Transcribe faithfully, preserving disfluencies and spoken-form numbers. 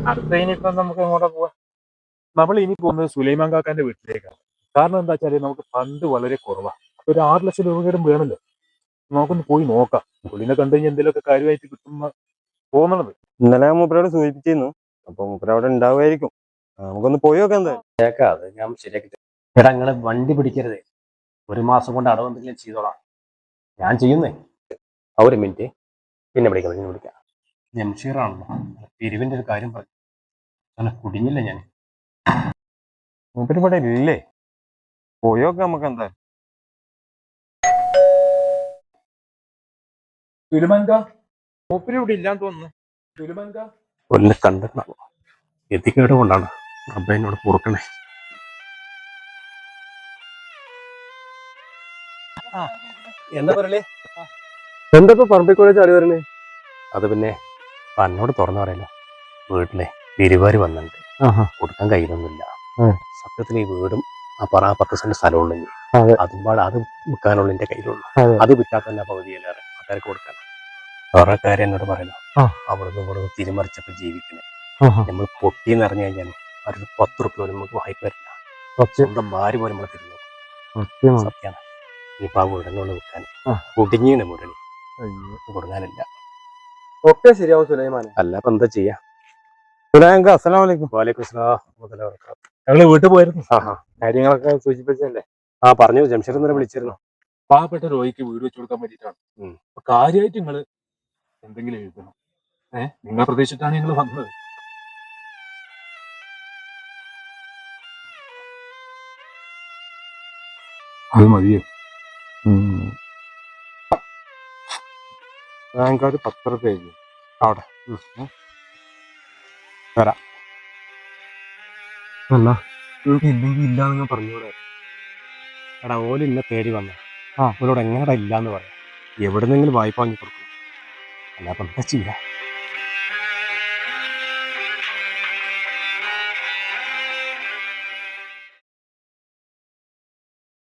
അടുത്ത ഇനിയിപ്പോ നമുക്ക് എങ്ങോട്ടാ പോവാ? നമ്മൾ ഇനി പോകുന്നത് സുലൈമാൻ കാക്കാന്റെ വീട്ടിലേക്കാണ്. കാരണം എന്താ വെച്ചാല് നമുക്ക് ഫണ്ട് വളരെ കുറവാണ്. അപ്പൊ ഒരു ആറ് ലക്ഷം രൂപയുടെ വേണമല്ലോ. നമുക്കൊന്ന് പോയി നോക്കാം. പുള്ളിനെ കണ്ടു കഴിഞ്ഞാൽ എന്തെങ്കിലുമൊക്കെ കാര്യമായിട്ട് കിട്ടുന്ന തോന്നണത്. ഇന്നലെ ഞാൻ മൂപ്പരോട് സൂചിപ്പിച്ചിരുന്നു. അപ്പൊ മൂപ്പര അവിടെ ഉണ്ടാവുമായിരിക്കും. നമുക്കൊന്ന് പോയി നോക്കാം എന്തായാലും. അത് ഞാൻ ശരിയാക്കി തരാം. എടാ നിങ്ങള് വണ്ടി പിടിക്കരുത്. ഒരു മാസം കൊണ്ട് അടവ് എന്തെങ്കിലും ചെയ്തോളാം. ഞാൻ ചെയ്യുന്നേ. ആ ഒരു മിനിറ്റ്, പിന്നെ വിളിക്കാം, പിന്നെ വിളിക്കാം. ജംഷീറാണല്ലോ, പിരിവിന്റെ ഒരു കാര്യം പറഞ്ഞു. അങ്ങനെ കുടുങ്ങില്ല ഞാൻ. മൂപ്പര് ഇവിടെ ഇല്ലേ? പോയി നോക്കാം നമുക്ക് എന്തായാലും. സുലൈമാൻ കാ, മൂപ്പര് ഇവിടെ ഇല്ലാന്ന് തോന്നുന്നു. സുലൈമാൻ കാ ഒന്ന് കണ്ടെത്തണം. എത്തിക്കേട് കൊണ്ടാണ് അബ്ബ എന്നോട് പൊറുക്കണേ. എന്താ പറയലേ? എന്താ പറമ്പിക്കോളെ ചാടി വരണേ? അത് പിന്നെ എന്നോട് തുറന്നു പറയല്ലോ, വീട്ടിലെ പിരിവാര് വന്നിട്ടുണ്ട്. കൊടുക്കാൻ കഴിയുന്നൊന്നുമില്ല. സത്യത്തിൽ ഈ വീടും ആ പറ പത്ത് സെന്റ് സ്ഥലമുള്ളൂ. അതും പാടെ അത് വിൽക്കാനുള്ള എന്റെ കയ്യിലുള്ളൂ. അത് വിൽക്കാൻ തന്നെ പകുതിയിലേറെ ആൾക്കാർക്ക് കൊടുക്കണം. വേറെ കാര്യം എന്നോട് പറയുന്നു, അവിടുന്ന് ഇവിടുന്ന് തിരിമറിച്ചപ്പോ ജീവിക്കണേ. നമ്മൾ പൊട്ടിന്ന് അറിഞ്ഞു കഴിഞ്ഞാൽ അവർക്ക് പത്ത് റുപ്യ പോലും നമുക്ക് വായ്പ വരില്ല. സ്വന്തം ഭാര്യ പോലും നമ്മളെ തിരിഞ്ഞു. സത്യമാണ്. ഇനിയിപ്പോ ആ വീടിനോട് വിൽക്കാൻ കുടുങ്ങിയാണ് മുരളി. കൊടുങ്ങാനില്ല. ഒക്കെ ശരിയാവും സുലൈമാനെ. അല്ല അപ്പൊ എന്താ ചെയ്യാ? അസ്സലാമലൈക്കും. വാലേക്കും സലാം. ഞങ്ങള് വീട്ടിൽ പോയിരുന്നു. കാര്യങ്ങളൊക്കെ സൂചിപ്പിച്ചല്ലേ? ആ പറഞ്ഞു, ജംഷീർ ഇന്നലെ വിളിച്ചിരുന്നു. പാവപ്പെട്ട രോഗിക്ക് വീട് വെച്ചു കൊടുക്കാൻ വേണ്ടിയിട്ടാണ്. അപ്പൊ കാര്യമായിട്ട് നിങ്ങള് എന്തെങ്കിലും എഴുതണം. ഏഹ് നിങ്ങളെ പ്രതീക്ഷിച്ചിട്ടാണ് ഞങ്ങൾ വന്നത്. അത് മതിയോ? ഞങ്ങൾക്കൊരു പത്ത് റുപ്യ അവിടെ വരാം. അല്ല ഇല്ലെങ്കിൽ ഇല്ലാന്ന് പറഞ്ഞൂടെ? എടാ ഓല് ഇന്നെ തേടി വന്ന ആ ഓലോട് എങ്ങനെടാ ഇല്ലാന്ന് പറയാം. എവിടെന്നെങ്കിലും വായ്പ വാങ്ങി കൊടുക്കണം. അല്ലാതെ എന്താ ചെയ്യാ?